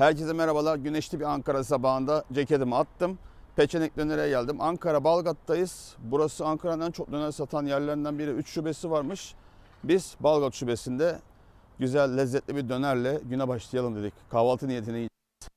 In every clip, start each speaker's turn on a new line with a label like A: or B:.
A: Herkese merhabalar. Güneşli bir Ankara sabahında ceketimi attım. Peçenek Döner'e geldim. Ankara Balgat'tayız. Burası Ankara'nın en çok döner satan yerlerinden biri. 3 şubesi varmış. Biz Balgat şubesinde güzel, lezzetli bir dönerle güne başlayalım dedik. Kahvaltı niyetine yiyeceğiz.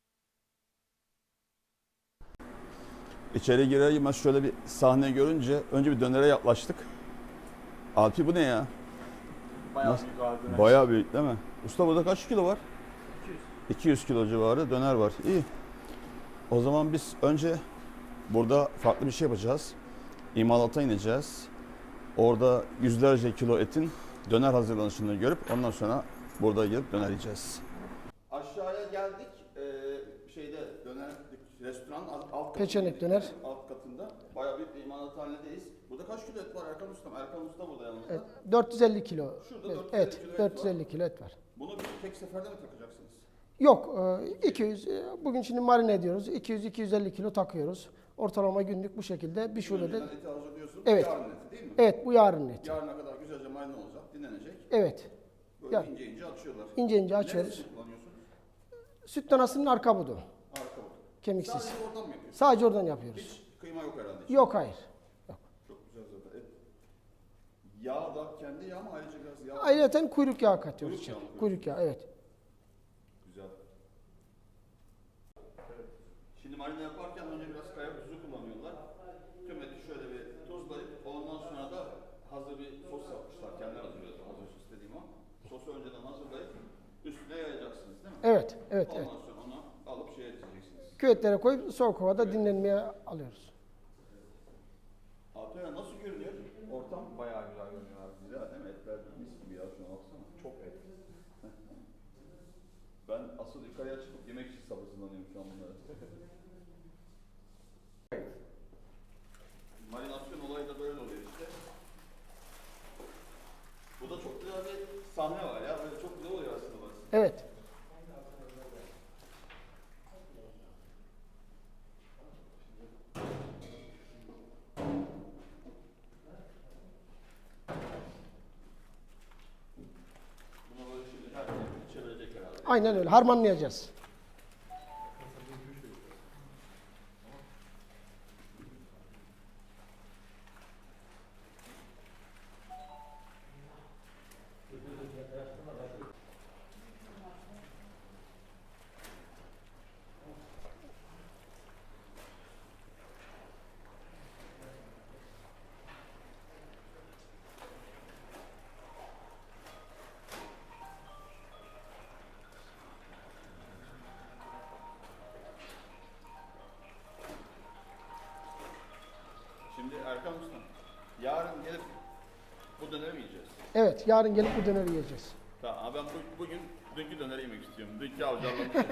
A: İçeri girer girmez şöyle bir sahne görünce önce bir dönere yaklaştık. Alpi bu ne ya?
B: Bayağı büyük abi döner.
A: Bayağı büyük değil mi? Usta burada kaç kilo var? 200 kilo civarı döner var. İyi. O zaman biz önce burada farklı bir şey yapacağız. İmalata ineceğiz. Orada yüzlerce kilo etin döner hazırlanışını görüp ondan sonra burada gelip döner yiyeceğiz. Aşağıya geldik. Döner restoranın alt katında.
C: Peçenek Döner.
A: Alt katında. Bayağı bir imalathanedeyiz. Burada kaç kilo et var Erkan Ustam? Erkan Usta burada yanımızda.
C: Evet, 450 kilo.
A: Şurada 450
C: Evet,
A: kilo et
C: 450 kilo et var.
A: Bunu bir tek seferde mi takacaksınız?
C: Yok, 200. Bugün şimdi marine ediyoruz. 200-250 kilo takıyoruz. Ortalama günlük bu şekilde bir şubede.
A: Önceden eti hazırlıyorsun.
C: Evet.
A: Yarın eti değil mi?
C: Evet, bu yarın eti.
A: Yarına kadar güzelce marine olacak, dinlenecek.
C: Evet.
A: Böyle
C: Ya,
A: ince ince açıyorlar.
C: ince ince açıyoruz.
A: Neresini kullanıyorsun?
C: Süt danasının arka budu.
A: Arka budu.
C: Kemiksiz.
A: Sadece oradan mı yapıyorsun?
C: Sadece oradan yapıyoruz.
A: Hiç kıyma yok herhalde.
C: Yok, hayır.
A: Çok güzel zaten. Et. Yağ da kendi yağ mı ayrıca biraz yağ?
C: Ayrıca kuyruk yağı katıyoruz.
A: Kuyruk yağı mı?
C: Kuyruk yağı, evet.
A: Güzel. Şimdi marine yaparken önce biraz kaya tuzu kullanıyorlar. Tüm eti şöyle bir tuzlayıp ondan sonra da hazır bir sos yapmışlar. Kendileri hazırlıyorlar. Hazır sos dediğim o. Sosu önceden hazırlayıp üstüne yayacaksınız değil mi?
C: Evet, evet,
A: Ondan
C: evet.
A: sonra onu alıp şeye edeceksiniz.
C: Küvetlere koyup soğuk havada dinlenmeye alıyoruz.
A: Abi nasıl görünüyor? Ortam bayağı güzel görünüyor abi. Güzel değil mi? Etler mis gibi ya şuna baksana. Çok et. Ben asıl yukarıya çıkıp yemek için sabırsızlanıyorum şu an bunları. Marinasyon olayı da böyle oluyor işte. Bu da çok güzel bir sahne var ya. Böyle çok güzel oluyor aslında burası.
C: Evet.
A: Buna böyle şimdi her şeyi çevirecek herhalde.
C: Aynen öyle. Harmanlayacağız.
A: Şimdi Erkan Usta, yarın gelip bu döneri mi yiyeceğiz?
C: Evet, yarın gelip bu döneri yiyeceğiz.
A: Tamam, ben bugün dünkü döneri yemek istiyorum. Dünkü avcarlamışım.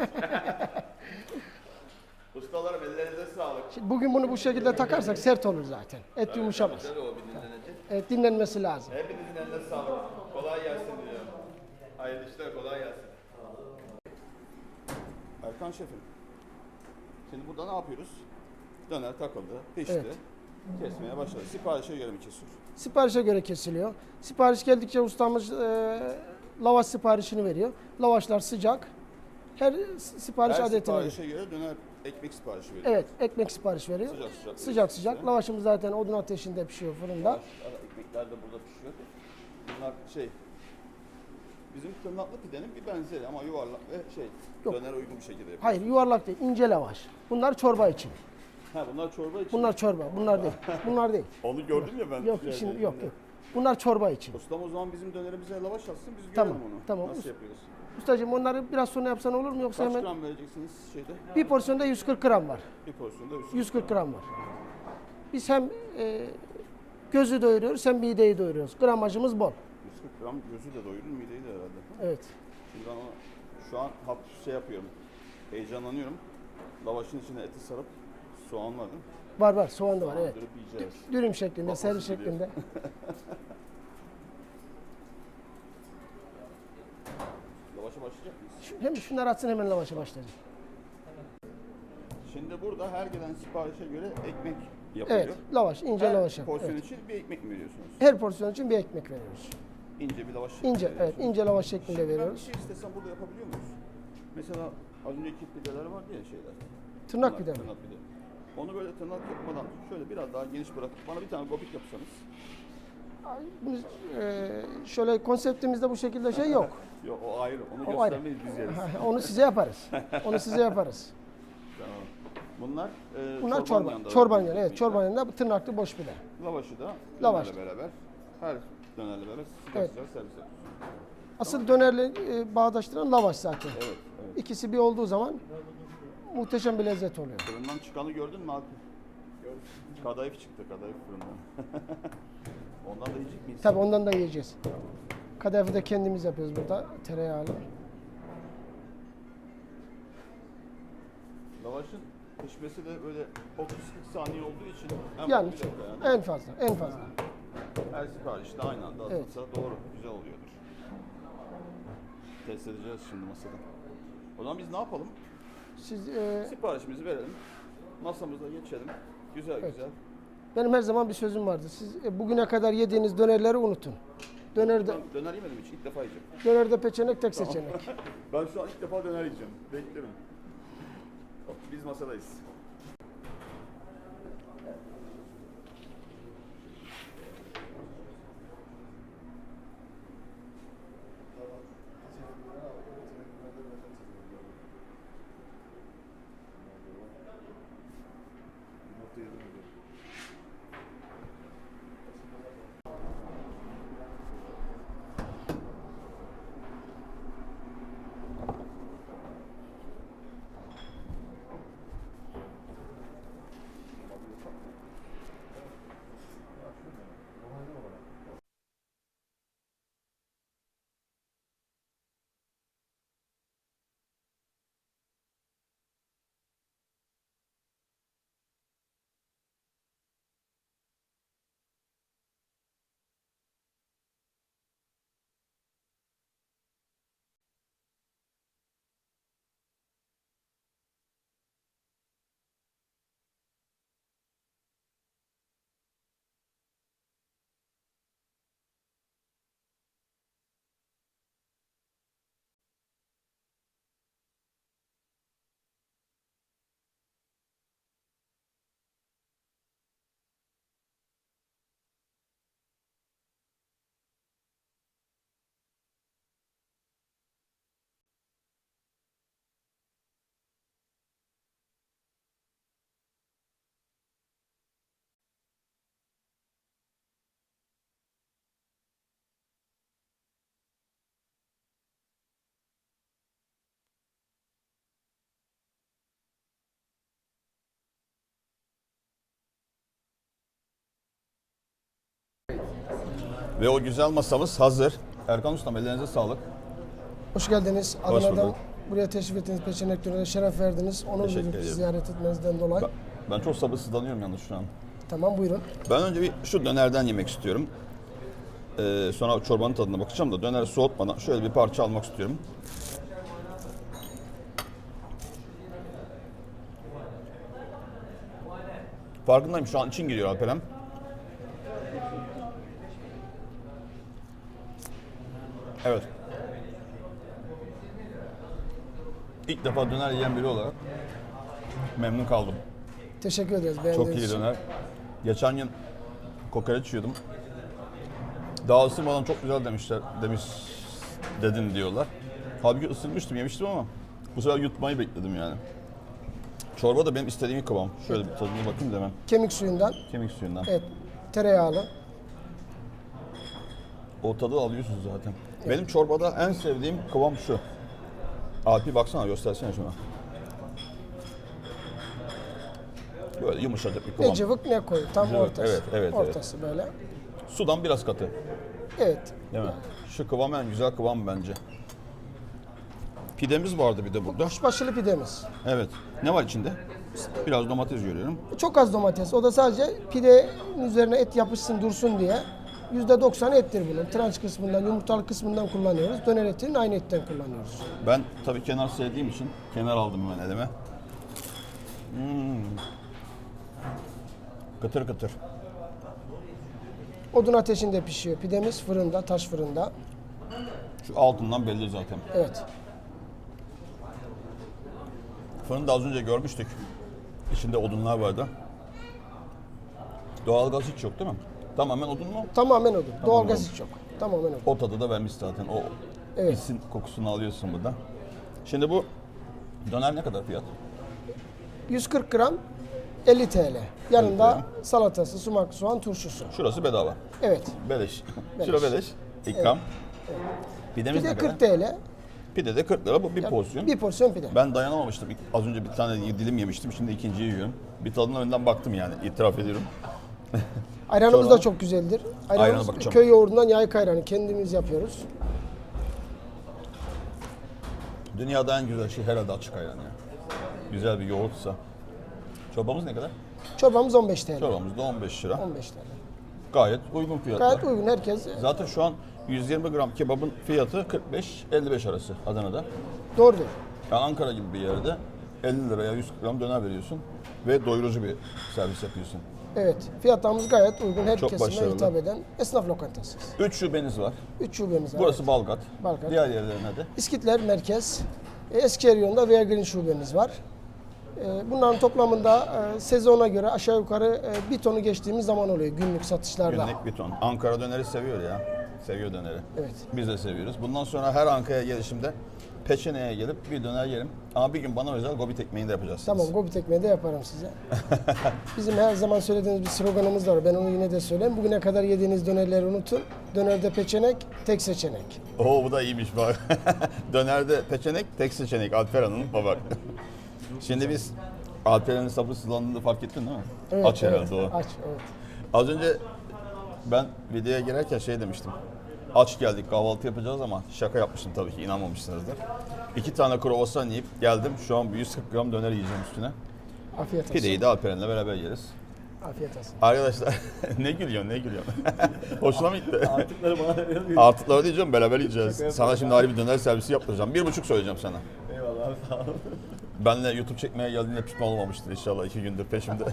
A: Ustalarım ellerinize sağlık.
C: Şimdi bugün bunu bu şekilde takarsak sert olur zaten. Et yumuşamaz.
A: Tabii o bir dinlenecek.
C: Evet, dinlenmesi lazım.
A: Hepinizin eline sağlık. Kolay gelsin diliyorum. Hayırlı işler, kolay gelsin. Erkan şefim, şimdi burada ne yapıyoruz? Döner takıldı, pişti.
C: Evet.
A: Kesmeye başladı. Siparişe göre mi kesiyor?
C: Siparişe göre kesiliyor. Sipariş geldikçe ustamız lavaş siparişini veriyor. Lavaşlar sıcak. Her sipariş
A: Her
C: adetine göre.
A: siparişe göre döner ekmek siparişi veriyor.
C: Evet, ekmek sipariş veriyor.
A: Sıcak sıcak.
C: Sıcak sıcak. Lavaşımız zaten odun ateşinde pişiyor fırında.
A: Ekmekler de burada pişiyor. Bunlar bizim tırnaklı pidenin bir benzeri ama yuvarlak ve
C: Yok.
A: döner uygun bir şekilde yapıyor.
C: Hayır, yuvarlak değil, ince lavaş. Bunlar çorba için.
A: Ha bunlar çorba için.
C: Bunlar çorba, bunlar değil. Bunlar değil.
A: Onu gördüm ya ben.
C: Yok, şimdi yok. Bunlar çorba için.
A: Ustam o zaman bizim dönerimize lavaş atsın biz
C: Tamam,
A: görelim onu.
C: tamam.
A: Nasıl yapıyoruz?
C: Ustacığım onları biraz sonra yapsan olur mu yoksa
A: Kaç
C: hemen?
A: gram vereceksiniz şeyde?
C: Bir porsiyonda 140 gram var.
A: Bir porsiyonda
C: 140 gram var. Biz hem gözü doyuruyoruz hem mideyi doyuruyoruz. Gramajımız bol.
A: 140 gram gözü de doyurur, mideyi de herhalde.
C: Evet.
A: Şimdi ben onu şu an hafif yapıyorum. Heyecanlanıyorum. Lavaşın içine eti sarıp soğan var değil mi?
C: Var var, soğan da var, evet.
A: Dürüp yiyeceğiz.
C: Dürüm şeklinde,
A: Bak
C: servis
A: nasıl gidiyor.
C: şeklinde.
A: Lavaşa başlayacak mıyız?
C: Hem şunları atsın hemen lavaşa başlayacağız.
A: Şimdi burada her gelen siparişe göre ekmek yapılıyor.
C: Evet, lavaş, ince
A: Her
C: lavaş.
A: porsiyon
C: Evet.
A: için bir ekmek mi veriyorsunuz?
C: Her porsiyon için bir ekmek veriyoruz.
A: İnce bir lavaş şeklinde
C: İnce, evet,
A: veriyorsunuz.
C: ince lavaş şeklinde
A: Şimdi ben bir
C: veriyoruz.
A: şey istesem burada yapabiliyor muyuz? Mesela Az önceki pideler vardı ya şeyler.
C: Tırnak pide mi?
A: Tırnak pide. Onu böyle tırnak yapmadan şöyle biraz daha geniş bırakıp bana bir tane gobit yapsanız.
C: Biz, şöyle konseptimizde bu şekilde şey yok.
A: Yok o ayrı. Onu
C: O ayrı.
A: göstermeyiz biz yeriz.
C: Onu size yaparız. Onu size yaparız.
A: Tamam. Bunlar,
C: Bunlar
A: çorbanın
C: çorba.
A: yanında.
C: Çorbanın yanında. Evet, çorbanın yanında tırnaklı boş pide.
A: Lavaşı da
C: Lavaş.
A: dönerle beraber. Her dönerle beraber sıcak
C: Evet.
A: sıcak servis yapıyoruz.
C: Asıl dönerle bağdaştıran lavaş zaten.
A: Evet, evet.
C: İkisi bir olduğu zaman muhteşem bir lezzet oluyor.
A: Fırından çıkanı gördün mü abi? Gördüm. Kadayıf çıktı, kadayıf fırından. Ondan da yiyecek miyiz?
C: Tabii ondan da yiyeceğiz. Kadayıfı da kendimiz yapıyoruz burada. Tereyağlı.
A: Lavaşın pişmesi de böyle 30-40 saniye olduğu için en
C: Yani
A: fazla bir dakika yani.
C: en fazla, en fazla.
A: Her siparişte aynı anda
C: Evet.
A: atılsa doğru, güzel oluyordur. Test edeceğiz şimdi masada. O zaman biz ne yapalım?
C: Siz,
A: Siparişimizi verelim. Masamıza geçelim. Güzel
C: Evet.
A: güzel.
C: benim her zaman bir sözüm vardı. Siz bugüne kadar yediğiniz dönerleri unutun. Dönerde,
A: Ben döner yemedim hiç. İlk defa yiyeceğim.
C: dönerde peçenek tek seçenek.
A: Ben şu an ilk defa döner yiyeceğim. Beklerim. Biz masadayız. Ve o güzel masamız hazır. Erkan Ustam ellerinize sağlık.
C: Hoş geldiniz.
A: Hoş
C: Adana'dan
A: bulduk.
C: buraya teşrif ettiniz. Peçenek Döner'e şeref verdiniz. Onur
A: Teşekkür
C: duyduk
A: ederim.
C: ziyaret etmenizden dolayı.
A: Ben çok sabırsızlanıyorum yalnız şu an.
C: Tamam, buyurun.
A: Ben önce bir şu dönerden yemek istiyorum. Sonra çorbanın tadına bakacağım da döneri soğutmadan şöyle bir parça almak istiyorum. Farkındayım şu an için giriyor Alperem. Evet. İlk defa döner yiyen biri olarak memnun kaldım.
C: Teşekkür ederiz
A: Çok
C: beğendiğiniz
A: iyi
C: için.
A: döner. Geçen gün kokoreç yiyordum. Daha ısırmadan çok güzel dedin diyorlar. Halbuki ısırmıştım, yemiştim ama bu sefer yutmayı bekledim yani. Çorba da benim istediğim kıvam. Şöyle bir tadına bakayım da hemen.
C: Kemik suyundan,
A: Kemik suyundan.
C: evet, tereyağlı.
A: O tadı alıyorsunuz zaten. Benim çorbada en sevdiğim kıvam şu. Alpi baksana, göstersene şuna. Böyle yumuşacık bir kıvam.
C: Ne cıvık ne koyu. Tam
A: Cıvık,
C: ortası.
A: evet.
C: Ortası böyle.
A: Sudan biraz katı.
C: Evet.
A: Değil mi? Şu kıvam en güzel kıvam bence. Pidemiz vardı bir de burada.
C: Kuşbaşılı pidemiz.
A: Evet. Ne var içinde? Biraz domates görüyorum.
C: Çok az domates. O da sadece pidenin üzerine et yapışsın dursun diye. %90 ettir bunun. Tranç kısmından, yumurtalı kısmından kullanıyoruz. Döner etinin aynı etten kullanıyoruz.
A: Ben tabii kenar sevdiğim için kenar aldım hemen elime. Kıtır kıtır.
C: Odun ateşinde pişiyor. Pidemiz fırında, taş fırında.
A: Şu altından belli zaten.
C: Evet.
A: Fırını da az önce görmüştük. İçinde odunlar vardı. Doğalgaz hiç yok değil mi? Tamamen odun mu?
C: Tamamen odun. Doğalgaz
A: odun.
C: hiç yok. Tamamen odun.
A: O tadı da vermiş zaten. O
C: Evet.
A: isin kokusunu alıyorsun burada. Şimdi bu döner ne kadar fiyat?
C: 140 gram 50 TL. Yanında
A: 50
C: salatası, sumak, soğan, turşusu.
A: Şurası bedava.
C: Evet.
A: Beleş.
C: Beleş.
A: Şura beleş. İkram. Pidemiz
C: Bir de
A: ne kadar?
C: 40 TL.
A: Pide de 40 lira. Bu bir porsiyon.
C: Bir porsiyon pide.
A: Ben dayanamamıştım. Az önce bir tane dilim yemiştim. Şimdi ikinciyi yiyorum. Bir tadına önden baktım yani. İtiraf ediyorum.
C: Ayranımız
A: Sonra-
C: da çok güzeldir.
A: Ayrana
C: Ayranımız
A: bakacağım.
C: köy yoğurdundan yayık ayranı kendimiz yapıyoruz.
A: Dünyada en güzel şey herhalde açık ayran ya. Güzel bir yoğurtsa. Çorbamız ne kadar?
C: Çorbamız 15 TL.
A: Çorbamız da 15 lira.
C: 15 TL.
A: Gayet uygun fiyatlar.
C: Gayet uygun herkes.
A: Zaten şu an 120 gram kebabın fiyatı 45-55 arası Adana'da.
C: Doğrudur.
A: Yani Ankara gibi bir yerde 50 liraya 100 gram döner veriyorsun ve doyurucu bir servis yapıyorsun.
C: Evet. Fiyatlarımız gayet uygun. Her
A: Çok
C: kesime
A: başarılı.
C: hitap eden esnaf lokantası.
A: 3 şubeniz var.
C: 3 şubemiz var.
A: Burası Balgat.
C: Balgat.
A: Diğer yerlerine de.
C: İskitler Merkez. Eskişehir yolunda Veya Green şubemiz var. Bunların toplamında sezona göre aşağı yukarı bir tonu geçtiğimiz zaman oluyor günlük satışlarda.
A: Günlük bir ton. Ankara döneri seviyor ya. Seviyor döneri.
C: Evet.
A: Biz de seviyoruz. Bundan sonra her Ankara'ya gelişimde Peçene'ye gelip bir döner yerim. Ama bir gün bana özel gobit ekmeğini de yapacaksınız.
C: Tamam, Gobit ekmeği de yaparım size. Bizim her zaman söylediğimiz bir sloganımız var. Ben onu yine de söyleyeyim. Bugüne kadar yediğiniz dönerleri unutun. Dönerde peçenek, tek seçenek.
A: Oo bu da iyiymiş bak. Dönerde peçenek, tek seçenek. Alper Hanım bak. Şimdi biz Alperen'in sabırsızlandığını fark ettin değil mi?
C: Evet,
A: Aç
C: evet,
A: herhalde o.
C: Aç, evet.
A: Az önce ben videoya girerken şey demiştim. Aç geldik kahvaltı yapacağız ama şaka yapmıştım tabii ki inanmamışsınızdır. 2 tane kruvasan yiyip geldim. Şu an 140 gram döner yiyeceğim üstüne.
C: Afiyet olsun.
A: Pideyi de Alperen'le beraber yeriz.
C: Afiyet olsun.
A: Arkadaşlar ne gülüyorsun ne gülüyorsun? Hoşuna mı gitti?
B: Artıkları bana veriyor.
A: Artıkları diyeceğim beraber yiyeceğiz.
B: Şaka
A: Sana
B: yapıyorum.
A: şimdi ayrı bir döner servisi yaptıracağım. 1,5 söyleyeceğim sana.
B: Eyvallah abi sağ ol.
A: Benle YouTube çekmeye geldiğinde pişman olmamıştır inşallah 2 gündür peşimde.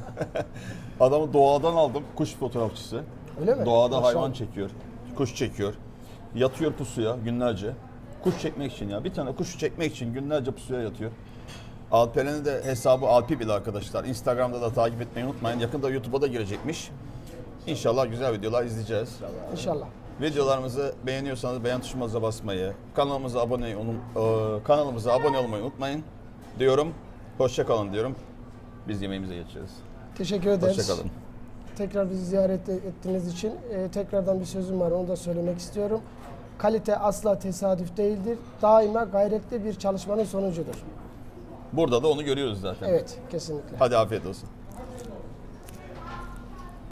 A: Adamı doğadan aldım, kuş fotoğrafçısı.
C: Öyle mi?
A: Doğada
C: Maşallah.
A: hayvan çekiyor, kuş çekiyor. Yatıyor pusuya günlerce. Kuş çekmek için ya. Bir tane kuşu çekmek için günlerce pusuya yatıyor. Alperen'in de hesabı Alpi Bil arkadaşlar. Instagram'da da takip etmeyi unutmayın. Yakında YouTube'a da girecekmiş. İnşallah güzel videolar izleyeceğiz.
C: İnşallah.
A: Videolarımızı beğeniyorsanız beğen tuşumuza basmayı, kanalımıza abone olmayı unutmayın diyorum. Hoşça kalın diyorum. Biz yemeğimize geçeceğiz.
C: Teşekkür ederiz.
A: Hoşça kalın.
C: Tekrar bizi ziyaret ettiğiniz için tekrardan bir sözüm var, onu da söylemek istiyorum. Kalite asla tesadüf değildir. Daima gayretli bir çalışmanın sonucudur.
A: Burada da onu görüyoruz zaten.
C: Evet, kesinlikle.
A: Hadi afiyet olsun.